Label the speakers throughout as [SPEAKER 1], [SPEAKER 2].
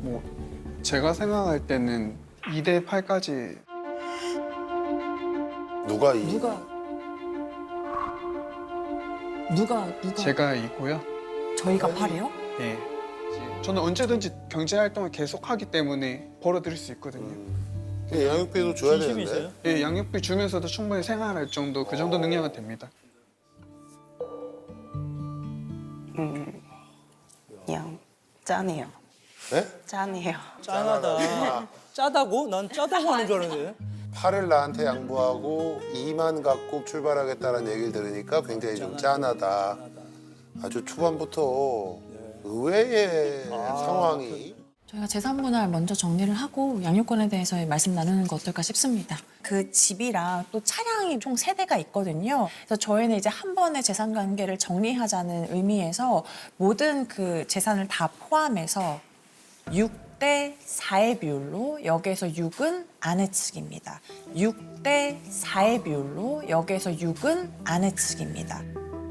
[SPEAKER 1] 뭐 제가 생각할 때는 2대 8까지
[SPEAKER 2] 누가
[SPEAKER 1] 제가 이고요.
[SPEAKER 3] 저희가 8이요?
[SPEAKER 1] 네. 저는 언제든지 경제 활동을 계속하기 때문에 벌어들일 수 있거든요.
[SPEAKER 2] 양육비도 줘야
[SPEAKER 4] 진심이세요?
[SPEAKER 2] 되는데.
[SPEAKER 1] 예, 양육비 주면서도 충분히 생활할 정도 그 정도 능력은 됩니다.
[SPEAKER 5] 그냥 짠해요.
[SPEAKER 2] 네?
[SPEAKER 5] 짠해요.
[SPEAKER 4] 짠하다. 짜다고? 난 짜다고 하는 줄 알았는데.
[SPEAKER 2] 팔을 나한테 양보하고 2만 갖고 출발하겠다는 얘기를 들으니까 굉장히 좀 짠하다. 아주 초반부터 의외의 상황이.
[SPEAKER 3] 저희가 재산 분할 먼저 정리를 하고 양육권에 대해서 말씀 나누는 거 어떨까 싶습니다. 그 집이랑 또 차량이 총 3대가 있거든요. 그래서 저희는 이제 한 번에 재산 관계를 정리하자는 의미에서 모든 그 재산을 다 포함해서 6대 4의 비율로 여기에서 6은 아내 측입니다. 6대 4의 비율로 여기에서 6은 아내 측입니다.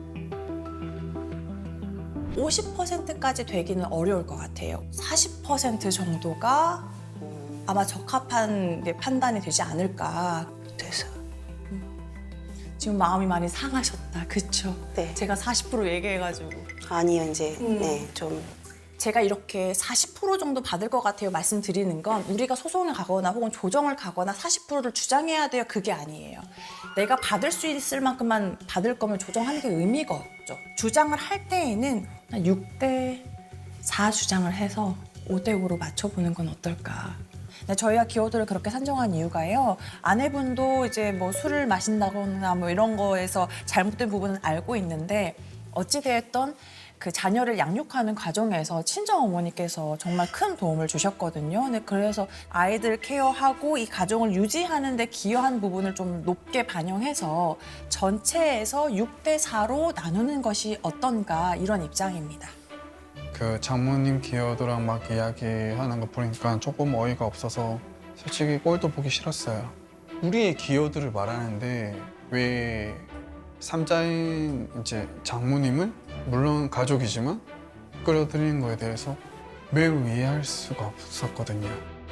[SPEAKER 3] 50%까지 되기는 어려울 것 같아요. 40% 정도가 아마 적합한 판단이 되지 않을까.
[SPEAKER 5] 그래서
[SPEAKER 3] 지금 마음이 많이 상하셨다. 그쵸?
[SPEAKER 5] 네.
[SPEAKER 3] 제가 40% 얘기해가지고.
[SPEAKER 5] 아니요 이제 네 좀
[SPEAKER 3] 제가 이렇게 40% 정도 받을 것 같아요 말씀드리는 건 우리가 소송을 가거나 혹은 조정을 가거나 40%를 주장해야 돼요. 그게 아니에요. 내가 받을 수 있을 만큼만 받을 거면 조정하는 게 의미가 없죠. 주장을 할 때에는 6대 4 주장을 해서 5대 5로 맞춰보는 건 어떨까. 저희가 기호도를 그렇게 산정한 이유가요. 아내분도 이제 뭐 술을 마신다거나 뭐 이런 거에서 잘못된 부분은 알고 있는데 어찌되었던 그 자녀를 양육하는 과정에서 친정 어머니께서 정말 큰 도움을 주셨거든요. 근데 그래서 아이들 케어하고 이 가정을 유지하는 데 기여한 부분을 좀 높게 반영해서 전체에서 6대 4로 나누는 것이 어떤가 이런 입장입니다.
[SPEAKER 1] 그 장모님 기여도랑 막 이야기하는 거 보니까 조금 어이가 없어서 솔직히 꼴도 보기 싫었어요. 우리의 기여도를 말하는데 왜 삼자인 이제 장모님을 물론 가족이지만 끌어들이는 거에 대해서 매우 이해할 수가 없었거든요.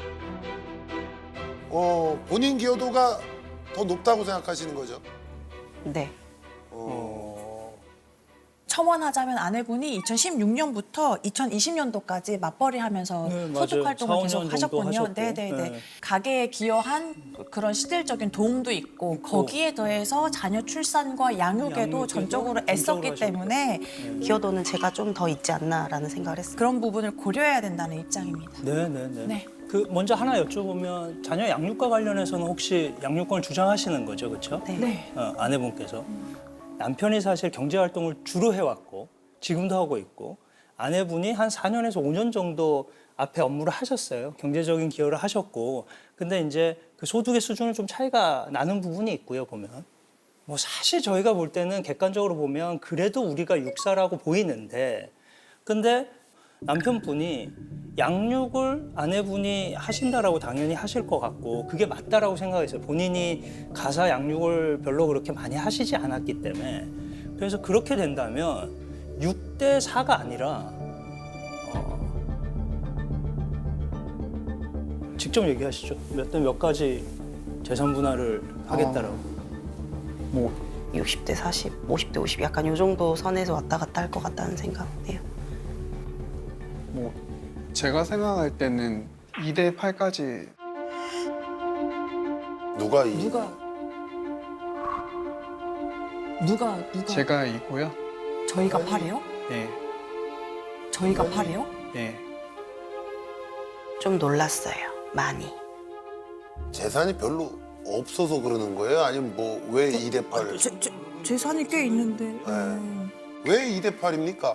[SPEAKER 2] 본인 기여도가 더 높다고 생각하시는 거죠?
[SPEAKER 5] 네.
[SPEAKER 3] 첨언하자면 아내분이 2016년부터 2020년도까지 맞벌이하면서
[SPEAKER 4] 네, 맞아요.
[SPEAKER 3] 소득 활동을
[SPEAKER 4] 4-5년
[SPEAKER 3] 계속
[SPEAKER 4] 정도
[SPEAKER 3] 하셨군요.
[SPEAKER 4] 하셨고.
[SPEAKER 3] 네네네.
[SPEAKER 4] 네.
[SPEAKER 3] 가게에 기여한 그런 실질적인 도움도 있고 거기에 더해서 자녀 출산과 양육에도
[SPEAKER 4] 양육에도
[SPEAKER 3] 전적으로 애썼기
[SPEAKER 4] 하셨고.
[SPEAKER 3] 때문에
[SPEAKER 5] 기여도는 제가 좀 더 있지 않나라는 생각을 했어요.
[SPEAKER 3] 그런 부분을 고려해야 된다는 입장입니다.
[SPEAKER 4] 네네네.
[SPEAKER 3] 네.
[SPEAKER 4] 그 먼저 하나 여쭤보면 자녀 양육과 관련해서는 혹시 양육권을 주장하시는 거죠, 그렇죠?
[SPEAKER 5] 네.
[SPEAKER 3] 네.
[SPEAKER 4] 아내분께서 남편이 사실 경제 활동을 주로 해왔고 지금도 하고 있고 아내분이 한 4년에서 5년 정도 앞에 업무를 하셨어요. 경제적인 기여를 하셨고 근데 이제 그 소득의 수준은 좀 차이가 나는 부분이 있고요, 보면. 뭐 사실 저희가 볼 때는 객관적으로 보면 그래도 우리가 육사라고 보이는데 근데 남편분이 양육을 아내분이 하신다라고 당연히 하실 것 같고 그게 맞다라고 생각했어요. 본인이 가사 양육을 별로 그렇게 많이 하시지 않았기 때문에 그래서 그렇게 된다면 6대 4가 아니라 직접 얘기하시죠. 몇 가지 재산 분할을 하겠다라고.
[SPEAKER 1] 뭐
[SPEAKER 5] 60대 40, 50대 50 약간 요 정도 선에서 왔다 갔다 할 것 같다는 생각이에요.
[SPEAKER 1] 뭐 제가 생각할 때는 2대 8까지
[SPEAKER 2] 누가
[SPEAKER 1] 제가 이고요.
[SPEAKER 3] 저희가 8이요?
[SPEAKER 1] 네,
[SPEAKER 3] 저희가 8이요?
[SPEAKER 1] 네.
[SPEAKER 5] 좀 놀랐어요. 많이.
[SPEAKER 2] 재산이 별로 없어서 그러는 거예요? 아니면 뭐 왜 2대 8을?
[SPEAKER 3] 재산이 꽤 있는데.
[SPEAKER 2] 왜 2대 8입니까?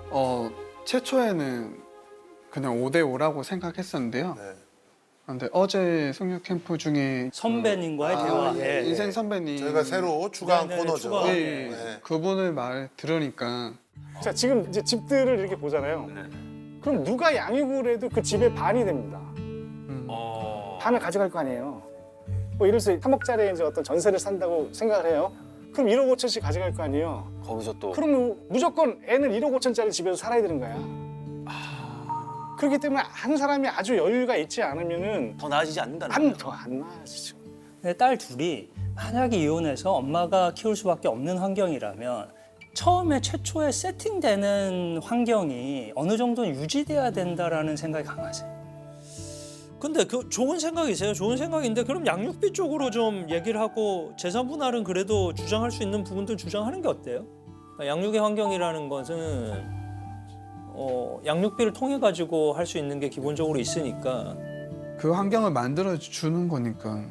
[SPEAKER 1] 최초에는 그냥 5대 5라고 생각했었는데요.
[SPEAKER 2] 네.
[SPEAKER 1] 근데 어제 성역 캠프 중에
[SPEAKER 4] 선배님과의 대화에
[SPEAKER 1] 인생 선배님
[SPEAKER 2] 저희가 새로 추가한
[SPEAKER 4] 네네네,
[SPEAKER 2] 코너죠.
[SPEAKER 4] 추가한.
[SPEAKER 1] 예,
[SPEAKER 2] 네.
[SPEAKER 1] 그분을 말 들으니까
[SPEAKER 6] 자, 지금 이제 집들을 이렇게 보잖아요. 그럼 누가 양육을 해도 그 집의 반이 됩니다. 반을 가져갈 거 아니에요. 뭐 예를 들어서 3억짜리 이제 어떤 전세를 산다고 생각을 해요. 그럼 1억 5천씩 가져갈 거 아니에요.
[SPEAKER 7] 거기서 또
[SPEAKER 6] 그러면 무조건 애는 1억 5천짜리 집에서 살아야 되는 거야. 그렇기 때문에 한 사람이 아주 여유가 있지 않으면은
[SPEAKER 7] 더 나아지지 않는다는 거예요.
[SPEAKER 6] 더안 나아지죠.
[SPEAKER 4] 근데 딸 둘이 만약에 이혼해서 엄마가 키울 수밖에 없는 환경이라면 처음에 최초에 세팅되는 환경이 어느 정도는 유지돼야 된다라는 생각이 강하세요.
[SPEAKER 8] 근데 그 좋은 생각이세요. 좋은 생각인데 그럼 양육비 쪽으로 좀 얘기를 하고 재산 분할은 그래도 주장할 수 있는 부분들 주장하는 게 어때요? 그러니까 양육의 환경이라는 것은 양육비를 통해 가지고 할 수 있는 게 기본적으로 있으니까.
[SPEAKER 1] 그 환경을 만들어 주는 거니까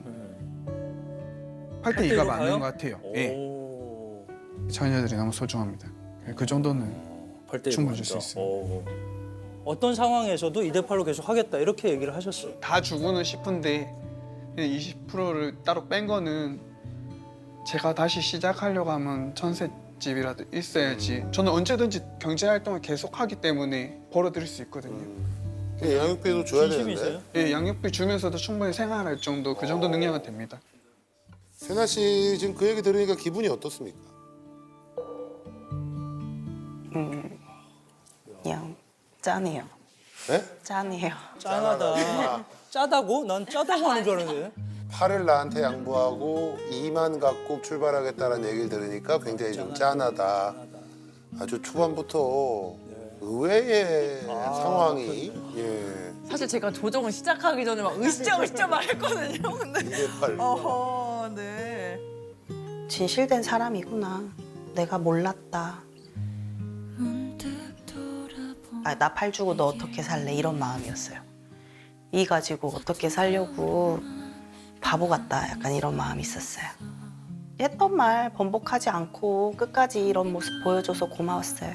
[SPEAKER 1] 8대 2가 맞는 것 같아요. 예.
[SPEAKER 8] 오.
[SPEAKER 1] 자녀들이 너무 소중합니다. 그 정도는
[SPEAKER 8] 8대
[SPEAKER 1] 충분히 줄 수 있어요.
[SPEAKER 4] 어떤 상황에서도 2대8로 계속 하겠다 이렇게 얘기를 하셨어요.
[SPEAKER 1] 다 주고는 싶은데 20%를 따로 뺀 거는 제가 다시 시작하려고 하면 전셋집이라도 있어야지. 저는 언제든지 경제 활동을 계속하기 때문에 벌어들일 수 있거든요.
[SPEAKER 2] 양육비도 줘야
[SPEAKER 4] 진심이세요?
[SPEAKER 2] 되는데.
[SPEAKER 1] 예, 양육비 주면서도 충분히 생활할 정도 그 정도 능력은 됩니다.
[SPEAKER 2] 세나 씨 지금 그 얘기 들으니까 기분이 어떻습니까?
[SPEAKER 5] 그냥 짠해요.
[SPEAKER 2] 네?
[SPEAKER 5] 짠해요.
[SPEAKER 4] 짠하다. 짜다고? 난 짜다고 하는 줄 알았는데.
[SPEAKER 2] 팔을 나한테 양보하고 2만 갖고 출발하겠다는 얘기를 들으니까 굉장히 좀 짠하다. 아주 초반부터 의외의 상황이 예.
[SPEAKER 3] 사실 제가 조정을 시작하기 전에 막 으쌰으쌰 말했거든요. 근데
[SPEAKER 2] 2대8.
[SPEAKER 3] 어허, 네.
[SPEAKER 5] 진실된 사람이구나. 내가 몰랐다. 나 팔 주고 너 어떻게 살래? 이런 마음이었어요. 이 가지고 어떻게 살려고 바보 같다. 약간 이런 마음이 있었어요. 했던 말 번복하지 않고 끝까지 이런 모습 보여줘서 고마웠어요.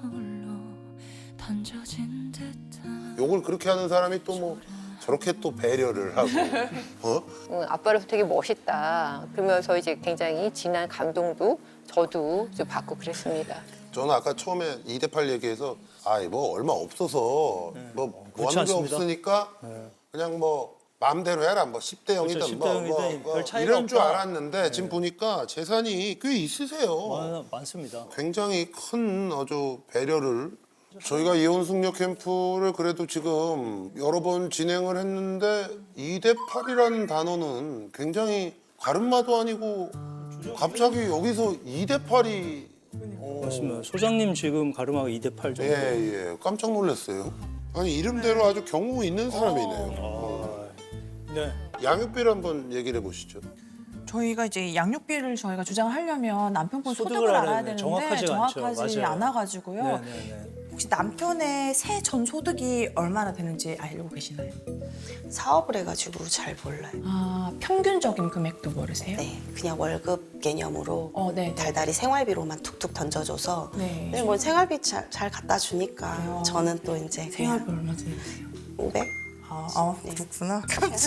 [SPEAKER 2] 욕을 그렇게 하는 사람이 또 뭐 저렇게 또 배려를 하고
[SPEAKER 9] 아빠로서 되게 멋있다. 그러면서 이제 굉장히 진한 감동도 저도 좀 받고 그랬습니다.
[SPEAKER 2] 저는 아까 처음에 2대8 얘기해서 뭐 얼마 없어서 뭐
[SPEAKER 4] 그렇지
[SPEAKER 2] 하는 게
[SPEAKER 4] 않습니다.
[SPEAKER 2] 없으니까 그냥 뭐 마음대로 해라 뭐 10대 0이든
[SPEAKER 4] 그렇죠, 10대
[SPEAKER 2] 뭐,
[SPEAKER 4] 0이든 별 차이가
[SPEAKER 2] 이런 줄
[SPEAKER 4] 없다.
[SPEAKER 2] 알았는데 지금 보니까 재산이 꽤 있으세요.
[SPEAKER 4] 많습니다.
[SPEAKER 2] 굉장히 큰 아주 배려를 저희가 이혼 숙녀 캠프를 그래도 지금 여러 번 진행을 했는데 2대8이라는 단어는 굉장히 가름마도 아니고 갑자기 여기서 2대8이
[SPEAKER 4] 맞습니다. 소장님 지금 가름하고 2대8 정도.
[SPEAKER 2] 예, 깜짝 놀랐어요. 아니 이름대로 아주 경우 있는 사람이네요.
[SPEAKER 4] 네.
[SPEAKER 2] 양육비를 한번 얘기를 해보시죠.
[SPEAKER 3] 저희가 이제 양육비를 저희가 주장하려면 남편분
[SPEAKER 4] 소득을
[SPEAKER 3] 소득을
[SPEAKER 4] 알아야
[SPEAKER 3] 알아야
[SPEAKER 4] 돼요.
[SPEAKER 3] 되는데
[SPEAKER 4] 정확하지가 않죠.
[SPEAKER 3] 정확하지
[SPEAKER 4] 맞아요.
[SPEAKER 3] 않아가지고요.
[SPEAKER 4] 네네네.
[SPEAKER 3] 혹시 남편의 새 전 소득이 얼마나 되는지 알고 계시나요?
[SPEAKER 5] 사업을 해가지고 잘 몰라요.
[SPEAKER 3] 아, 평균적인 금액도 모르세요?
[SPEAKER 5] 네, 그냥 월급 개념으로
[SPEAKER 3] 네.
[SPEAKER 5] 달달이 생활비로만 툭툭 던져줘서
[SPEAKER 3] 네.
[SPEAKER 5] 근데 뭐 생활비 잘 갖다 주니까 저는 또 이제
[SPEAKER 3] 생활비
[SPEAKER 5] 그냥
[SPEAKER 3] 얼마 드세요?
[SPEAKER 5] 500?
[SPEAKER 3] 네. 그렇구나.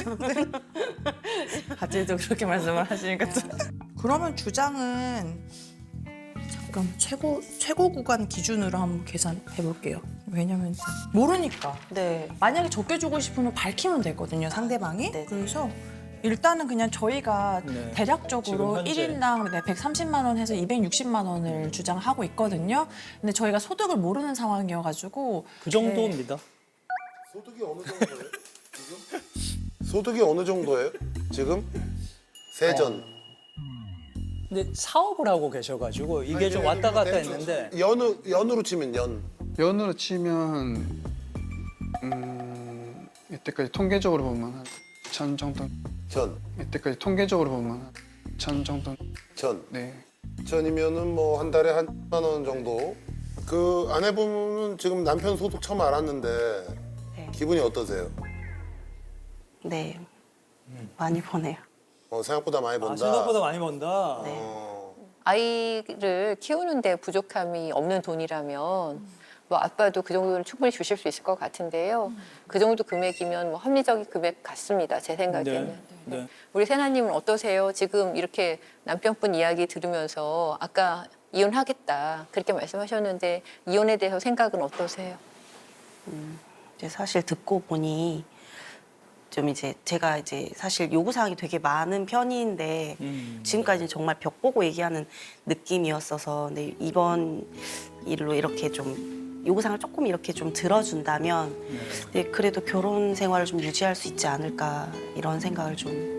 [SPEAKER 3] 갑자기 또 그렇게 말씀을 하시니까 또. 그러면 주장은 잠깐 최고 구간 기준으로 한번 계산해 볼게요. 왜냐면 모르니까.
[SPEAKER 5] 네.
[SPEAKER 3] 만약에 적게 주고 싶으면 밝히면 되거든요, 상대방이.
[SPEAKER 5] 네네.
[SPEAKER 3] 그래서 일단은 그냥 저희가
[SPEAKER 4] 네.
[SPEAKER 3] 대략적으로
[SPEAKER 4] 지금 현재.
[SPEAKER 3] 1인당 130만 원 해서 260만 원을 주장하고 있거든요. 근데 저희가 소득을 모르는 상황이어가지고
[SPEAKER 4] 그 정도입니다.
[SPEAKER 2] 소득이 어느 정도예요? 지금? 소득이 어느 정도예요? 지금? 세전.
[SPEAKER 4] 근데 사업을 하고 계셔가지고 이게 좀 왔다 갔다 했는데
[SPEAKER 2] 연으로 치면 연.
[SPEAKER 1] 연으로 치면 이때까지 통계적으로 보면 한 1,000 정도.
[SPEAKER 2] 전.
[SPEAKER 1] 이때까지 통계적으로 보면 한 1,000 정도.
[SPEAKER 2] 전.
[SPEAKER 1] 네.
[SPEAKER 2] 전이면은 뭐 한 달에 한 10만 원 정도. 그 아내분은 지금 남편 소득 처음 알았는데
[SPEAKER 5] 네.
[SPEAKER 2] 기분이 어떠세요?
[SPEAKER 5] 네. 많이 보내요.
[SPEAKER 2] 생각보다 많이 본다.
[SPEAKER 4] 생각보다 많이 번다.
[SPEAKER 5] 네.
[SPEAKER 9] 아이를 키우는데 부족함이 없는 돈이라면 뭐 아빠도 그 정도는 충분히 주실 수 있을 것 같은데요. 그 정도 금액이면 뭐 합리적인 금액 같습니다. 제 생각에는.
[SPEAKER 4] 네.
[SPEAKER 9] 우리 세나님은 어떠세요? 지금 이렇게 남편분 이야기 들으면서 아까 이혼하겠다 그렇게 말씀하셨는데 이혼에 대해서 생각은 어떠세요?
[SPEAKER 5] 이제 사실 듣고 보니 좀 이제 제가 이제 사실 요구사항이 되게 많은 편인데 지금까지는 정말 벽 보고 얘기하는 느낌이었어서 근데 이번 일로 이렇게 좀 요구사항을 조금 이렇게 좀 들어준다면 네, 그래도 결혼 생활을 좀 유지할 수 있지 않을까 이런 생각을 좀.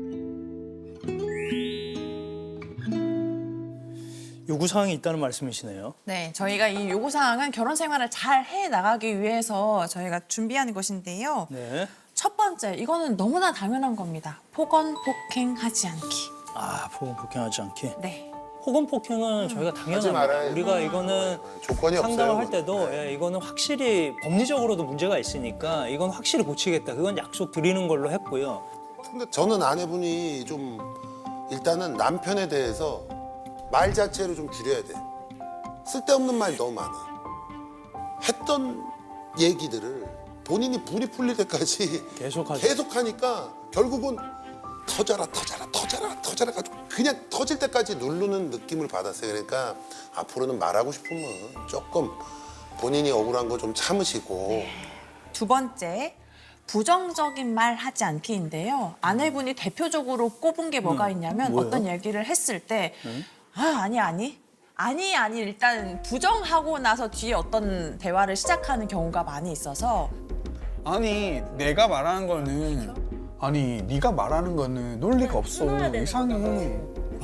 [SPEAKER 4] 요구사항이 있다는 말씀이시네요.
[SPEAKER 3] 네, 저희가 이 요구사항은 결혼 생활을 잘 해 나가기 위해서 저희가 준비하는 것인데요.
[SPEAKER 4] 네.
[SPEAKER 3] 첫 번째, 이거는 너무나 당연한 겁니다. 폭언, 폭행하지 않기.
[SPEAKER 4] 아, 폭언 폭행하지 않기.
[SPEAKER 3] 네.
[SPEAKER 4] 폭언 폭행은 저희가
[SPEAKER 2] 하지
[SPEAKER 4] 당연합니다.
[SPEAKER 2] 말아야죠.
[SPEAKER 4] 우리가 이거는
[SPEAKER 2] 조건이
[SPEAKER 4] 상담을
[SPEAKER 2] 없어요.
[SPEAKER 4] 할 때도
[SPEAKER 2] 네.
[SPEAKER 4] 이거는 확실히 법리적으로도 문제가 있으니까 이건 확실히 고치겠다. 그건 약속 드리는 걸로 했고요.
[SPEAKER 2] 근데 저는 아내분이 좀 일단은 남편에 대해서 말 자체를 좀 줄여야 돼. 쓸데없는 말이 너무 많아. 했던 얘기들을 본인이 불이 풀릴 때까지
[SPEAKER 4] 계속하죠.
[SPEAKER 2] 계속하니까 결국은 터져라 가지고 그냥 터질 때까지 누르는 느낌을 받았어요. 그러니까 앞으로는 말하고 싶으면 조금 본인이 억울한 거 좀 참으시고
[SPEAKER 3] 두 번째, 부정적인 말 하지 않기인데요. 아내분이 대표적으로 꼽은 게 뭐가 있냐면
[SPEAKER 4] 뭐예요?
[SPEAKER 3] 어떤 얘기를 했을 때 아니 일단 부정하고 나서 뒤에 어떤 대화를 시작하는 경우가 많이 있어서
[SPEAKER 1] 아니 내가 말하는 거는 아니 네가 말하는 거는 논리가 없어. 이상해.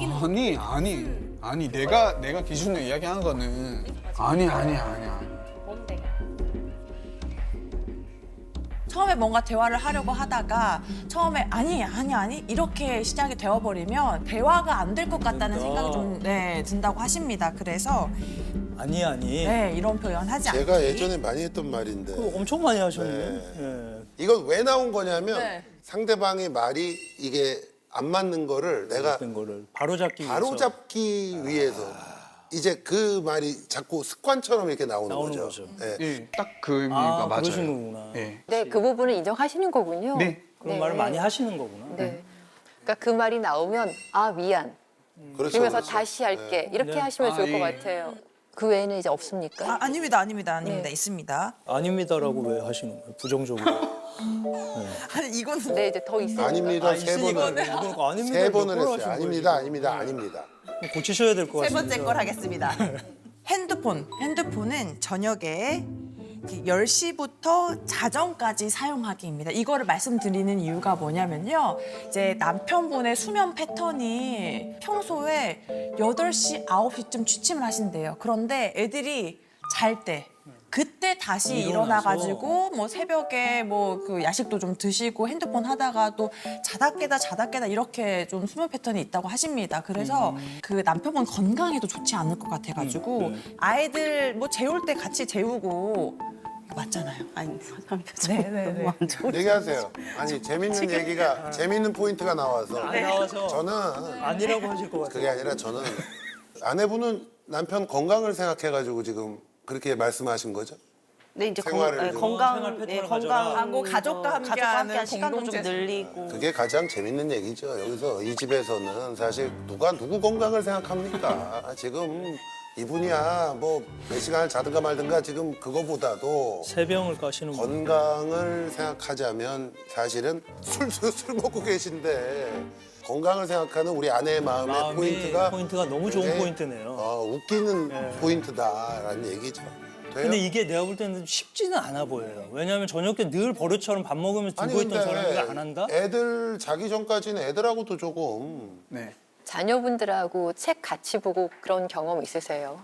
[SPEAKER 1] 아니 내가 기준으로 이야기한 거는 아니.
[SPEAKER 3] 처음에 뭔가 대화를 하려고 하다가 처음에 아니 이렇게 시작이 되어버리면 대화가 안 될 것 같다는 생각이 좀 든다고 하십니다. 그래서
[SPEAKER 4] 아니.
[SPEAKER 3] 이런 표현 하지 않기.
[SPEAKER 2] 제가 예전에 많이 했던 말인데
[SPEAKER 4] 그거 엄청 많이 하셨네. 예.
[SPEAKER 2] 이건 왜 나온 거냐면
[SPEAKER 3] 네.
[SPEAKER 2] 상대방의 말이 이게 안 맞는 거를 내가
[SPEAKER 4] 된 거를 바로잡기 위해서
[SPEAKER 2] 바로잡기 위해서 이제 그 말이 자꾸 습관처럼 이렇게 나오는
[SPEAKER 4] 나오는
[SPEAKER 2] 거죠.
[SPEAKER 4] 거죠.
[SPEAKER 2] 예.
[SPEAKER 1] 예, 딱 그 의미가 맞아요.
[SPEAKER 4] 그러신 거구나.
[SPEAKER 1] 예.
[SPEAKER 9] 네, 그 부분을 인정하시는 거군요.
[SPEAKER 1] 네.
[SPEAKER 4] 그런
[SPEAKER 9] 네.
[SPEAKER 4] 말을 많이 하시는 거구나.
[SPEAKER 9] 네. 그러니까 그 말이 나오면 아 미안.
[SPEAKER 2] 그렇죠,
[SPEAKER 9] 그러면서
[SPEAKER 2] 그렇죠.
[SPEAKER 9] 다시 할게. 이렇게
[SPEAKER 4] 네.
[SPEAKER 9] 하시면 좋을 것
[SPEAKER 1] 예.
[SPEAKER 9] 같아요. 그 외에는 이제 없습니까?
[SPEAKER 3] 아닙니다.
[SPEAKER 9] 네.
[SPEAKER 3] 있습니다.
[SPEAKER 4] 아닙니다라고 왜 하시는 거예요? 부정적으로.
[SPEAKER 3] 아니 이거는
[SPEAKER 9] 네, 이제 더 있습니다.
[SPEAKER 2] 아닙니다. 세
[SPEAKER 4] 있으니까
[SPEAKER 2] 번을
[SPEAKER 4] 그러니까 아닙니다.
[SPEAKER 2] 세 번을
[SPEAKER 4] 몇 번을
[SPEAKER 2] 했어요.
[SPEAKER 4] 하신 거예요,
[SPEAKER 2] 아닙니다.
[SPEAKER 4] 지금. 고치셔야 될 것
[SPEAKER 3] 세
[SPEAKER 4] 같습니다.
[SPEAKER 3] 번째 걸 하겠습니다. 핸드폰은 저녁에 10시부터 자정까지 사용하기입니다. 이거를 말씀드리는 이유가 뭐냐면요. 이제 남편분의 수면 패턴이 평소에 8시, 9시쯤 취침을 하신대요. 그런데 애들이 잘 때 그때 다시
[SPEAKER 4] 일어나서.
[SPEAKER 3] 일어나가지고 뭐 새벽에 뭐 그 야식도 좀 드시고 핸드폰 하다가 또 자다 깨다 이렇게 좀 수면 패턴이 있다고 하십니다. 그래서 그 남편분 건강에도 좋지 않을 것 같아가지고 아이들 뭐 재울 때 같이 재우고 맞잖아요.
[SPEAKER 5] 아니 사람 표정이
[SPEAKER 3] 네.
[SPEAKER 5] 너무 안 좋으시죠.
[SPEAKER 2] 얘기하세요. 아니 재밌는 얘기가 재밌는 포인트가 나와서
[SPEAKER 4] 안 나와서
[SPEAKER 2] 저는
[SPEAKER 4] 아니라고 하실 것 같아요.
[SPEAKER 2] 그게 아니라 저는 아내분은 남편 건강을 생각해가지고 지금 그렇게 말씀하신 거죠?
[SPEAKER 5] 네 이제
[SPEAKER 2] 생활을 좀-
[SPEAKER 5] 건강
[SPEAKER 4] 생활 패턴을
[SPEAKER 5] 네,
[SPEAKER 4] 가져라.
[SPEAKER 5] 건강
[SPEAKER 3] 하고 가족과 함께하는
[SPEAKER 5] 시간도 좀
[SPEAKER 3] 공동체.
[SPEAKER 5] 늘리고
[SPEAKER 2] 그게 가장 재밌는 얘기죠. 여기서 이 집에서는 사실 누가 누구 건강을 생각합니까? 지금 이분이야 뭐 몇 시간을 자든가 말든가 지금 그거보다도
[SPEAKER 4] 세 병을 까시는 분.
[SPEAKER 2] 건강을 생각하자면 사실은 술 먹고 계신데 건강을 생각하는 우리 아내의 마음의 포인트가
[SPEAKER 4] 너무 좋은
[SPEAKER 2] 굉장히,
[SPEAKER 4] 포인트네요.
[SPEAKER 2] 웃기는
[SPEAKER 4] 네.
[SPEAKER 2] 포인트다라는 얘기죠. 돼요?
[SPEAKER 4] 근데 이게 내가 볼 때는 쉽지는 않아 보여요. 왜냐하면 저녁 때 늘 버릇처럼 밥 먹으면서
[SPEAKER 2] 아니
[SPEAKER 4] 들고 있던 사람이
[SPEAKER 2] 근데
[SPEAKER 4] 안 한다?
[SPEAKER 2] 애들 자기 전까지는 애들하고도 조금
[SPEAKER 1] 네.
[SPEAKER 9] 자녀분들하고 책 같이 보고 그런 경험 있으세요?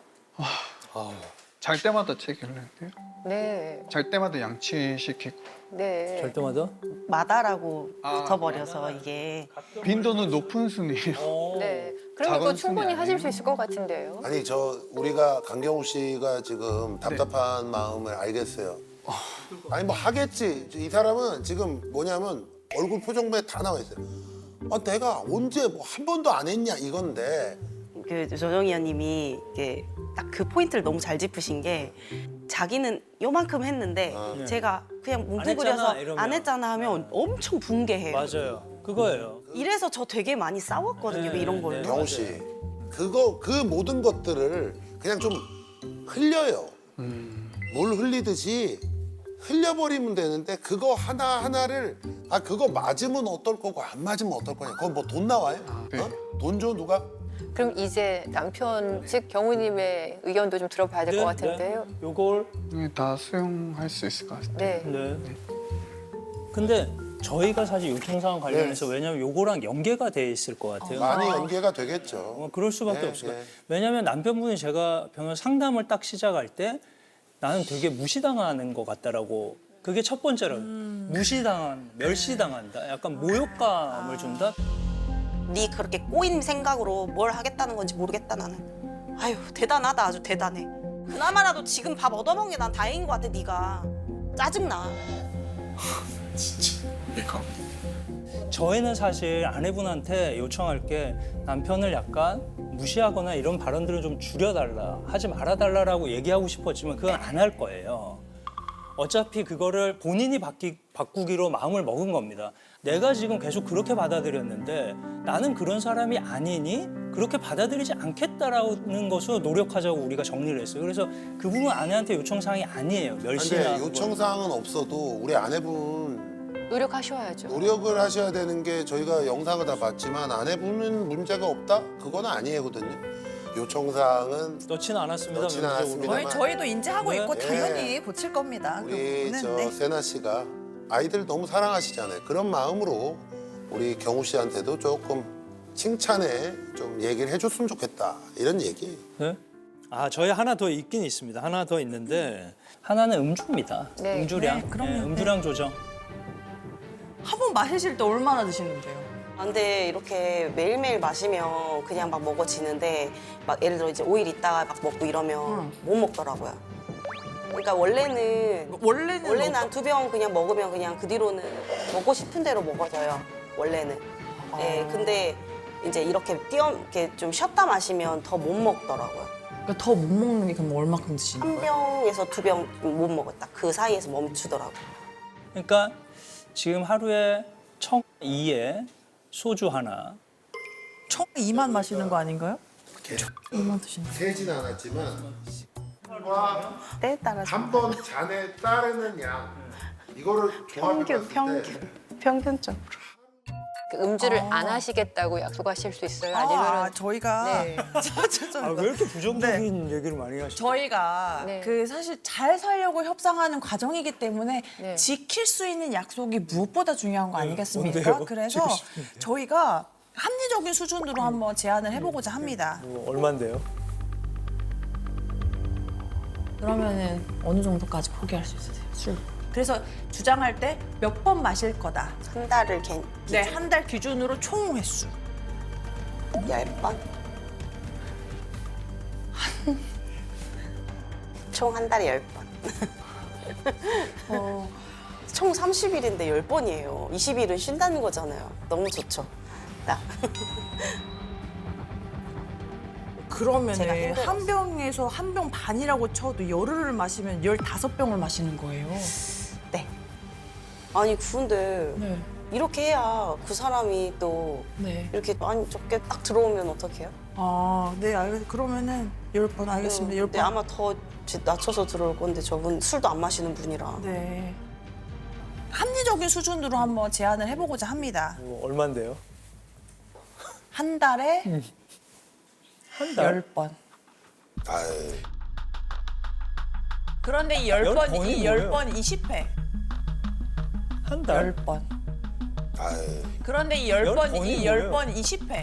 [SPEAKER 1] 잘 때마다 책 읽는데요.
[SPEAKER 9] 네,
[SPEAKER 1] 잘 때마다 양치시키고
[SPEAKER 9] 네.
[SPEAKER 4] 잘 때마다?
[SPEAKER 5] 마다라고
[SPEAKER 1] 아,
[SPEAKER 5] 붙어버려서 이게
[SPEAKER 1] 빈도는 높은 순이에요.
[SPEAKER 9] 네. 그러면 그거
[SPEAKER 1] 작은
[SPEAKER 9] 충분히
[SPEAKER 1] 순이
[SPEAKER 9] 하실
[SPEAKER 1] 아니에요?
[SPEAKER 9] 수 있을 것 같은데요.
[SPEAKER 2] 아니 우리가 강경호 씨가 지금 답답한 마음을 알겠어요. 아니 뭐 하겠지. 이 사람은 지금 뭐냐면 얼굴 표정부에 다 나와 있어요. 내가 언제 뭐 한 번도 안 했냐 이건데
[SPEAKER 5] 그 조정희 의원님이 이게 딱 그 포인트를 너무 잘 짚으신 게 자기는 요만큼 했는데 제가 그냥 뭉뚱그려서
[SPEAKER 4] 했잖아, 이러면.
[SPEAKER 5] 안 했잖아 하면 엄청 붕괴해요.
[SPEAKER 4] 맞아요. 그거예요.
[SPEAKER 5] 이래서 저 되게 많이 싸웠거든요.
[SPEAKER 4] 네,
[SPEAKER 5] 이런 걸로.
[SPEAKER 4] 네.
[SPEAKER 2] 경호 씨 그 모든 것들을 그냥 좀 흘려요. 물 흘리듯이 흘려버리면 되는데 그거 하나하나를 그거 맞으면 어떨 거고 안 맞으면 어떨 거냐. 그거 뭐 돈 나와요?
[SPEAKER 1] 네.
[SPEAKER 2] 돈 줘 누가?
[SPEAKER 9] 그럼 이제 남편 즉 경우님의 의견도 좀 들어봐야 될 것 같은데요.
[SPEAKER 4] 요걸
[SPEAKER 1] 다 수용할 수 있을 것 같아요.
[SPEAKER 9] 네.
[SPEAKER 4] 네. 근데 저희가 사실 요청사항 관련해서
[SPEAKER 2] 네.
[SPEAKER 4] 왜냐하면 요거랑 연계가 돼 있을 것 같아요.
[SPEAKER 2] 많이 연계가 되겠죠.
[SPEAKER 4] 그럴 수밖에
[SPEAKER 2] 네,
[SPEAKER 4] 없을 것
[SPEAKER 2] 네.
[SPEAKER 4] 같아요. 왜냐하면 남편분이 제가 변호사 상담을 딱 시작할 때 나는 되게 무시당하는 것 같다라고 그게 첫 번째라고 무시당한, 멸시당한다. 약간 모욕감을 준다.
[SPEAKER 5] 네 그렇게 꼬인 생각으로 뭘 하겠다는 건지 모르겠다 나는. 아유 대단하다 아주 대단해. 그나마라도 지금 밥 얻어먹는 게 난 다행인 것 같아 네가. 짜증나.
[SPEAKER 4] 저희는 사실 아내분한테 요청할 게 남편을 약간 무시하거나 이런 발언들을 좀 줄여달라, 하지 말아달라라고 얘기하고 싶었지만 그건 안 할 거예요. 어차피 그거를 본인이 바꾸기로 마음을 먹은 겁니다. 내가 지금 계속 그렇게 받아들였는데 나는 그런 사람이 아니니 그렇게 받아들이지 않겠다라는 것으로 노력하자고 우리가 정리를 했어요. 그래서 그 부분 아내한테 요청사항이 아니에요. 멸시나
[SPEAKER 2] 근데 요청사항은 없어도 우리 아내분
[SPEAKER 9] 노력하셔야죠.
[SPEAKER 2] 노력을 하셔야 되는 게 저희가 영상을 다 봤지만 아내분은 문제가 없다? 그건 아니거든요. 요청사항은
[SPEAKER 4] 넣지는 않았습니다.
[SPEAKER 2] 넣지는
[SPEAKER 4] 명시적으로.
[SPEAKER 2] 않았습니다.
[SPEAKER 3] 저희도 인지하고
[SPEAKER 4] 네.
[SPEAKER 3] 있고
[SPEAKER 2] 네.
[SPEAKER 3] 당연히 고칠 겁니다. 그
[SPEAKER 2] 우리
[SPEAKER 3] 부분은.
[SPEAKER 2] 저
[SPEAKER 3] 네.
[SPEAKER 2] 세나 씨가 아이들 너무 사랑하시잖아요. 그런 마음으로 우리 경우 씨한테도 조금 칭찬에 좀 얘기를 해줬으면 좋겠다 이런 얘기.
[SPEAKER 4] 네? 아, 저희 하나 더 있긴 있습니다. 하나 더 있는데 하나는 음주입니다.
[SPEAKER 9] 네.
[SPEAKER 4] 음주량.
[SPEAKER 3] 네, 그럼요.
[SPEAKER 4] 음주량 조정.
[SPEAKER 3] 한 번 마시실 때 얼마나 드시는데요?
[SPEAKER 5] 아, 근데 이렇게 매일매일 마시면 그냥 막 먹어지는데 막 예를 들어 이제 5일 있다가 막 먹고 이러면 못 먹더라고요. 그러니까 원래는 한 2병 그냥 먹으면 그냥 그 뒤로는 먹고 싶은 대로 먹어져요. 원래는. 예, 근데 이제 이렇게 좀 쉬었다 마시면 더 못 먹더라고요.
[SPEAKER 3] 그러니까 더 못 먹는 게 그럼 얼마큼 드시는
[SPEAKER 5] 한
[SPEAKER 3] 거예요?
[SPEAKER 5] 병에서 2병 못 먹었다. 그 사이에서 멈추더라고요.
[SPEAKER 4] 그러니까 지금 하루에 청 2에 소주 하나.
[SPEAKER 3] 총 2만 마시는 거 아닌가요? 2만 드시는 거.
[SPEAKER 2] 세진 않았지만
[SPEAKER 5] 때에 따라서
[SPEAKER 2] 한 번 잔에 따르는 양 이거를
[SPEAKER 5] 평균적으로.
[SPEAKER 9] 그 음주를 안 하시겠다고 약속하실 수 있어요? 아니면
[SPEAKER 3] 저희가
[SPEAKER 9] 네.
[SPEAKER 4] 아, 왜 이렇게 부정적인 얘기를 많이 하시죠?
[SPEAKER 3] 저희가
[SPEAKER 9] 네.
[SPEAKER 3] 그 사실 잘 살려고 협상하는 과정이기 때문에
[SPEAKER 9] 네.
[SPEAKER 3] 지킬 수 있는 약속이 무엇보다 중요한 거 아니겠습니까?
[SPEAKER 4] 뭔데요?
[SPEAKER 3] 그래서
[SPEAKER 4] 지키고 싶은데요.
[SPEAKER 3] 저희가 합리적인 수준으로 한번 제안을 해보고자 합니다.
[SPEAKER 4] 뭐 얼만데요?
[SPEAKER 3] 그러면은 어느 정도까지 포기할 수 있으세요? 술. 그래서 주장할 때 몇 번 마실 거다.
[SPEAKER 5] 한 달을
[SPEAKER 3] 네, 한 달 기준으로 총 횟수.
[SPEAKER 5] 10번? 총 한 달에 10번. 총 30일인데 10번이에요. 20일은 쉰다는 거잖아요. 너무 좋죠. 나. 제가
[SPEAKER 3] 그러면은
[SPEAKER 5] 힘들었어요.
[SPEAKER 3] 한 병에서 한 병 반이라고 쳐도 열흘을 마시면 15병을 마시는 거예요.
[SPEAKER 5] 네. 아니 근데
[SPEAKER 3] 네.
[SPEAKER 5] 이렇게 해야 그 사람이 또
[SPEAKER 3] 네.
[SPEAKER 5] 이렇게 많이 적게 딱 들어오면 어떡해요?
[SPEAKER 3] 아, 네, 그러면은 10번 알겠습니다. 10번.
[SPEAKER 5] 근데 아마 더 낮춰서 들어올 건데 저분 술도 안 마시는 분이라.
[SPEAKER 3] 네. 합리적인 수준으로 한번 제안을 해보고자 합니다.
[SPEAKER 4] 뭐 얼만데요?
[SPEAKER 3] 한 달에
[SPEAKER 4] 한 달?
[SPEAKER 3] 10번.
[SPEAKER 2] 아유,
[SPEAKER 3] 그런데 이
[SPEAKER 4] 열
[SPEAKER 3] 10번,
[SPEAKER 4] 번이
[SPEAKER 3] 이
[SPEAKER 4] 뭐예요?
[SPEAKER 3] 10번 20회.
[SPEAKER 4] 한 달?
[SPEAKER 3] 10번.
[SPEAKER 2] 아유.
[SPEAKER 3] 그런데 이
[SPEAKER 4] 열
[SPEAKER 3] 10번,
[SPEAKER 4] 번이
[SPEAKER 3] 이
[SPEAKER 4] 뭐예요?
[SPEAKER 3] 10번 20회.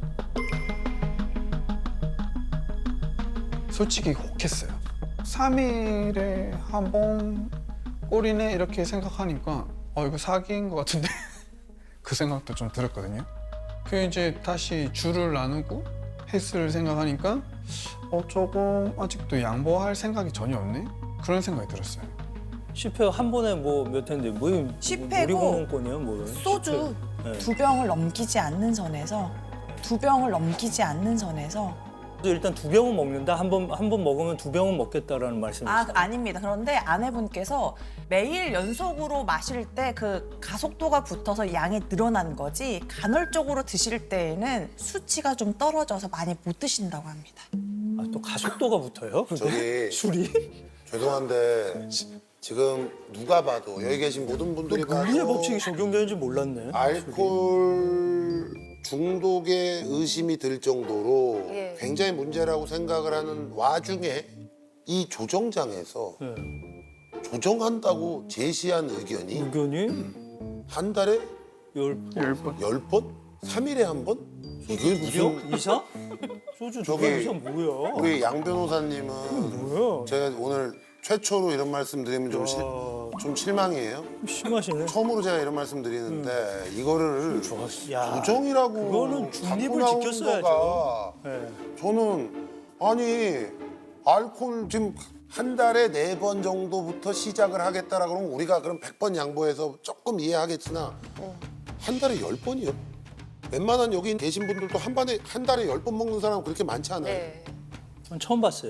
[SPEAKER 1] 솔직히 혹했어요. 3일에 한 번 꼴이네 이렇게 생각하니까 이거 사기인 것 같은데 그 생각도 좀 들었거든요. 그 이제 다시 줄을 나누고 횟수를 생각하니까 조금 아직도 양보할 생각이 전혀 없네? 그런 생각이 들었어요.
[SPEAKER 4] 10회 한 번에 뭐 몇 회인데 뭐
[SPEAKER 3] 10회고
[SPEAKER 4] 놀이공원권이요? 뭐
[SPEAKER 3] 소주
[SPEAKER 4] 10회. 네.
[SPEAKER 3] 2병을 넘기지 않는 선에서 2병을 넘기지 않는 선에서
[SPEAKER 4] 일단 2병은 먹는다. 한 번 먹으면 2병은 먹겠다라는 말씀이시죠?
[SPEAKER 3] 아닙니다. 그런데 아내분께서 매일 연속으로 마실 때 그 가속도가 붙어서 양이 늘어난 거지 간헐적으로 드실 때에는 수치가 좀 떨어져서 많이 못 드신다고 합니다.
[SPEAKER 4] 아, 또 가속도가 붙어요?
[SPEAKER 2] 저기
[SPEAKER 4] 술이?
[SPEAKER 2] 죄송한데 지금 누가 봐도 여기 계신 모든 분들이
[SPEAKER 4] 물리의
[SPEAKER 2] 봐도
[SPEAKER 4] 법칙이 적용되는지 몰랐네.
[SPEAKER 2] 알코올 중독의 의심이 들 정도로
[SPEAKER 9] 예.
[SPEAKER 2] 굉장히 문제라고 생각을 하는 와중에 이 조정장에서
[SPEAKER 8] 네.
[SPEAKER 2] 조정한다고 제시한 의견이
[SPEAKER 8] 의견이
[SPEAKER 2] 한 달에
[SPEAKER 8] 열
[SPEAKER 1] 10번.
[SPEAKER 2] 10번? 3일에 한 번? 이게 무슨
[SPEAKER 8] 이상? 소주 두
[SPEAKER 2] 저기-
[SPEAKER 8] 병 이상 뭐야?
[SPEAKER 2] 우리 양 변호사님은
[SPEAKER 8] 뭐야?
[SPEAKER 2] 제가 오늘 최초로 이런 말씀 드리면 좀 실망이에요.
[SPEAKER 8] 심하시네.
[SPEAKER 2] 처음으로 제가 이런 말씀 드리는데 이거를
[SPEAKER 8] 야,
[SPEAKER 2] 조정이라고
[SPEAKER 8] 그거는 중립을
[SPEAKER 2] 갖고 나온
[SPEAKER 8] 지켰어야죠.
[SPEAKER 2] 거가
[SPEAKER 8] 네.
[SPEAKER 2] 저는 아니 알코올 지금 한 달에 4번 정도부터 시작을 하겠다라 그러면 우리가 그럼 100번 양보해서 조금 이해하겠으나 한 달에 10번이요? 웬만한 여기 계신 분들도 한 달에 10번 먹는 사람은 그렇게 많지 않아요.
[SPEAKER 9] 네.
[SPEAKER 8] 전 처음 봤어요.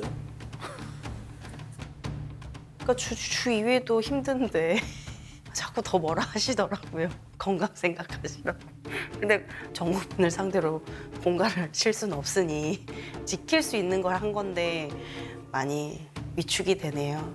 [SPEAKER 5] 그러니까 주 2회도 힘든데 자꾸 더 뭐라 하시더라고요. 건강 생각하시라고. 근데 정부분을 상대로 공갈을 칠 수는 없으니 지킬 수 있는 걸 한 건데 많이 위축이 되네요.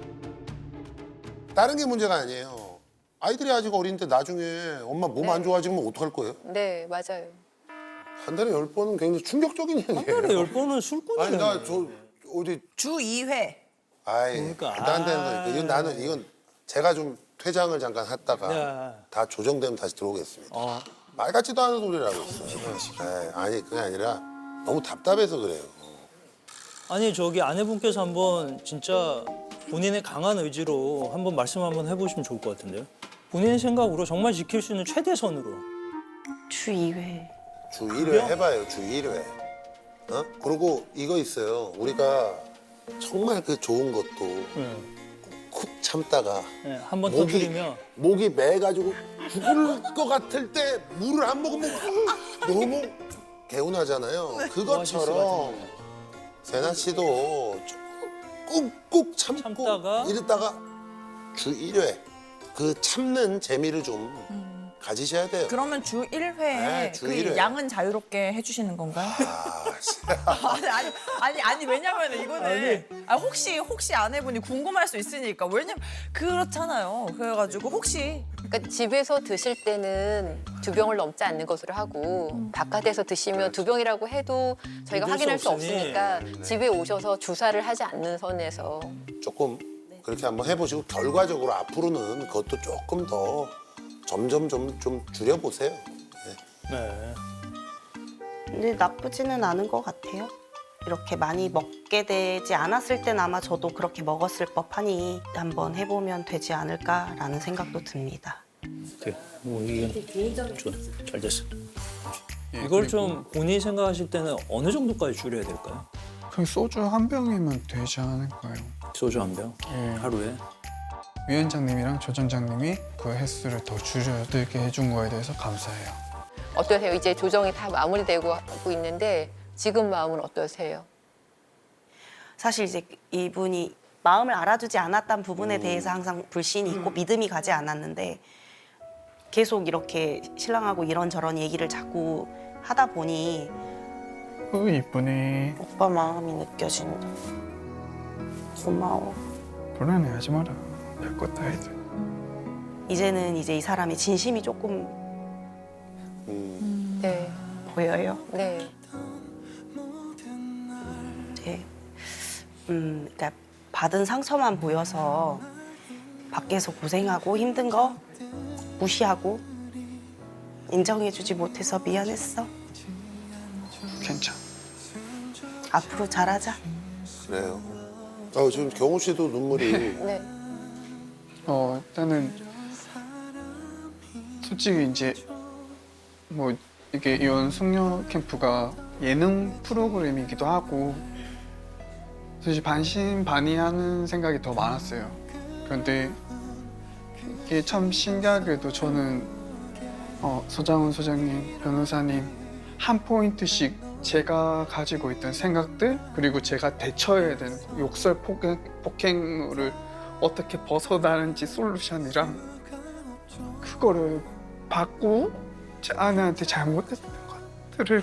[SPEAKER 2] 다른 게 문제가 아니에요. 아이들이 아직 어린데 나중에 엄마 몸 안 좋아지면 어떡할 거예요?
[SPEAKER 9] 네, 맞아요.
[SPEAKER 2] 한 달에 10번은 굉장히 충격적인 얘기예요.
[SPEAKER 8] 한 달에 10번은 술꾼이네.
[SPEAKER 2] 아니 나 저 어디
[SPEAKER 3] 주 2회.
[SPEAKER 2] 아이
[SPEAKER 8] 그러니까.
[SPEAKER 2] 말도 안 되는 거니까 이건 나는 이건 제가 좀 퇴장을 잠깐 했다가
[SPEAKER 8] 네.
[SPEAKER 2] 다 조정되면 다시 들어오겠습니다.
[SPEAKER 8] 어.
[SPEAKER 2] 말 같지도 않은 소리라고 있어요. 아니 그게 아니라 너무 답답해서 그래요.
[SPEAKER 8] 아니 저기 아내분께서 한번 진짜 본인의 강한 의지로 한번 말씀 한번 해보시면 좋을 것 같은데요. 본인의 생각으로 정말 지킬 수 있는 최대선으로.
[SPEAKER 5] 주 2회.
[SPEAKER 2] 주 1회 해봐요. 주 1회. 어? 그리고 이거 있어요. 우리가 정말 그 좋은 것도
[SPEAKER 8] 네.
[SPEAKER 2] 쿡 참다가
[SPEAKER 8] 네, 한번
[SPEAKER 2] 목이
[SPEAKER 8] 터뜨리면
[SPEAKER 2] 목이 매가지고 죽을 것 같을 때 물을 안 먹으면 너무 개운하잖아요.
[SPEAKER 8] 것
[SPEAKER 2] 그것처럼
[SPEAKER 8] 같은데.
[SPEAKER 2] 세나 씨도 꾹꾹 참고
[SPEAKER 8] 참다가
[SPEAKER 2] 이랬다가 주 1회 그 참는 재미를 좀 가지셔야 돼요.
[SPEAKER 3] 그러면 주 1회에
[SPEAKER 2] 네, 주
[SPEAKER 3] 그
[SPEAKER 2] 1회.
[SPEAKER 3] 양은 자유롭게 해주시는 건가요? 아니 왜냐면 이거는 혹시 아내분이 궁금할 수 있으니까 왜냐면 그렇잖아요. 그래가지고 혹시
[SPEAKER 9] 그러니까 집에서 드실 때는 2병을 넘지 않는 것으로 하고 바깥에서 드시면 2병이라고 해도 저희가
[SPEAKER 8] 믿을
[SPEAKER 9] 확인할
[SPEAKER 8] 수
[SPEAKER 9] 수
[SPEAKER 8] 없으니.
[SPEAKER 9] 없으니까 집에 오셔서 주사를 하지 않는 선에서
[SPEAKER 2] 조금 그렇게 한번 해보시고 결과적으로 앞으로는 그것도 조금 더 점점 좀 줄여보세요. 네.
[SPEAKER 8] 네.
[SPEAKER 5] 근데 나쁘지는 않은 것 같아요. 이렇게 많이 먹게 되지 않았을 땐 아마 저도 그렇게 먹었을 법하니 한번 해보면 되지 않을까라는 생각도 듭니다.
[SPEAKER 8] 네. 뭐 이게 좋아. 잘 됐어.
[SPEAKER 1] 예,
[SPEAKER 8] 이걸
[SPEAKER 1] 그리고
[SPEAKER 8] 좀 본인이 생각하실 때는 어느 정도까지 줄여야 될까요?
[SPEAKER 1] 그냥 소주 한 병이면 되지 않을까요?
[SPEAKER 8] 소주 한 병?
[SPEAKER 1] 예.
[SPEAKER 8] 하루에?
[SPEAKER 1] 위원장님이랑 조정장님이 그 횟수를 더 줄여들게 해준 거에 대해서 감사해요.
[SPEAKER 9] 어떠세요? 이제 조정이 다 마무리되고 하고 있는데 지금 마음은 어떠세요?
[SPEAKER 5] 사실 이제 이분이 마음을 알아주지 않았던 부분에 대해서 항상 불신이 있고 믿음이 가지 않았는데 계속 이렇게 신랑하고 이런저런 얘기를 자꾸 하다 보니
[SPEAKER 1] 이쁘네.
[SPEAKER 5] 오빠 마음이 느껴진다. 고마워.
[SPEAKER 1] 불안해하지 마라. 별것 다 해도.
[SPEAKER 5] 이제는 이제 이 사람의 진심이 조금
[SPEAKER 9] 네,
[SPEAKER 5] 보여요.
[SPEAKER 9] 네.
[SPEAKER 5] 이제 그러니까 받은 상처만 보여서 밖에서 고생하고 힘든 거 무시하고 인정해주지 못해서 미안했어.
[SPEAKER 1] 괜찮아.
[SPEAKER 5] 앞으로 잘하자.
[SPEAKER 2] 그래요. 지금 경호 씨도 눈물이
[SPEAKER 9] 네.
[SPEAKER 1] 일단은 솔직히 이제 뭐 이게 이혼 숙녀 캠프가 예능 프로그램이기도 하고 사실 반신반의하는 생각이 더 많았어요. 그런데 이게 참 신기하게도 저는 서장훈 소장님, 변호사님 한 포인트씩 제가 가지고 있던 생각들 그리고 제가 대처해야 되는 욕설 폭행을 어떻게 벗어나는지 솔루션이랑 그거를 받고 제 아내한테 잘못했던 것들을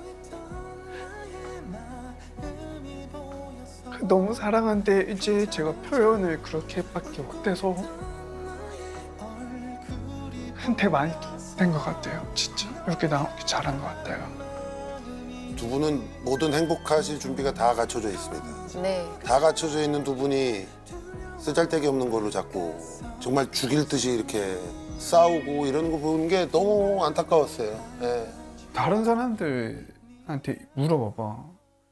[SPEAKER 1] 너무 사랑한데 이제 제가 표현을 그렇게밖에 못해서 한테 많이 된 것 같아요. 진짜 이렇게 나오기 잘한 것 같아요.
[SPEAKER 2] 두 분은 모든 행복하실 준비가 다 갖춰져 있습니다.
[SPEAKER 9] 네.
[SPEAKER 2] 다 갖춰져 있는 두 분이 쓰잘데기 없는 걸로 자꾸 정말 죽일 듯이 이렇게 싸우고 이러는 거 보는 게 너무 안타까웠어요. 예.
[SPEAKER 1] 다른 사람들한테 물어봐봐.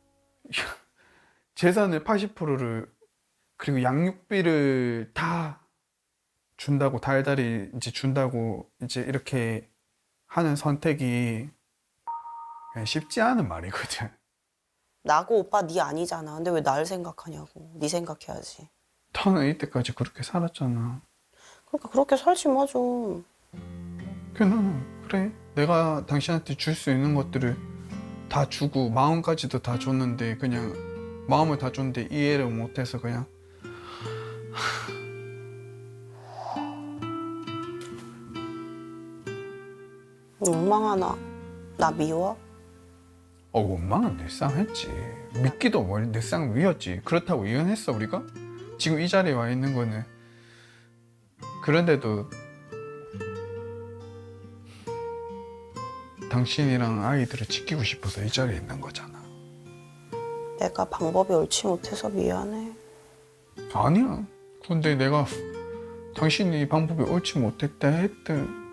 [SPEAKER 1] 재산의 80%를 그리고 양육비를 다 준다고 달달이 이제 준다고 이제 이렇게 하는 선택이 그냥 쉽지 않은 말이거든.
[SPEAKER 5] 나고 오빠 네 아니잖아. 근데 왜 날 생각하냐고. 네 생각해야지.
[SPEAKER 1] 너는 이때까지 그렇게 살았잖아.
[SPEAKER 5] 그러니까 그렇게 살지 마 좀.
[SPEAKER 1] 그냥 그래. 내가 당신한테 줄 수 있는 것들을 다 주고 마음까지도 다 줬는데 그냥 마음을 다 줬는데 이해를 못해서 그냥
[SPEAKER 5] 원망하나? 나 미워?
[SPEAKER 1] 원망은 늘상 했지. 믿기도 늘상 미웠지. 그렇다고 이혼했어 우리가? 지금 이 자리에 와 있는 거는 그런데도 당신이랑 아이들을 지키고 싶어서 이 자리에 있는 거잖아.
[SPEAKER 5] 내가 방법이 옳지 못해서 미안해.
[SPEAKER 1] 아니야. 근데 내가 당신이 방법이 옳지 못했다 했든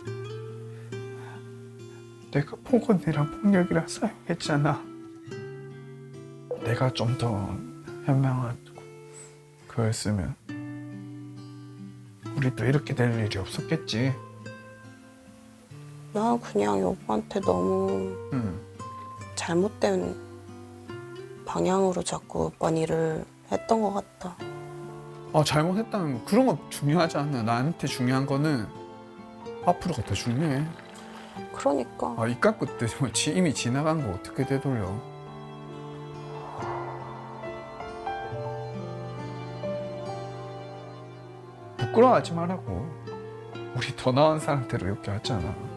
[SPEAKER 1] 내가 폭언이랑 폭력이랑 사용했잖아. 내가 좀 더 현명한 그였으면 우리도 이렇게 될 일이 없었겠지.
[SPEAKER 5] 나 그냥 오빠한테 너무
[SPEAKER 1] 응.
[SPEAKER 5] 잘못된 방향으로 자꾸 오빠 일을 했던 것 같다.
[SPEAKER 1] 잘못했다는 거 그런 거 중요하지 않아. 나한테 중요한 거는 앞으로가 더 중요해.
[SPEAKER 5] 그러니까
[SPEAKER 1] 이 깎고 때 이미 지나간 거 어떻게 되돌려. 부끄러워하지 말라고. 우리 더 나은 사람대로 이렇게 왔잖아.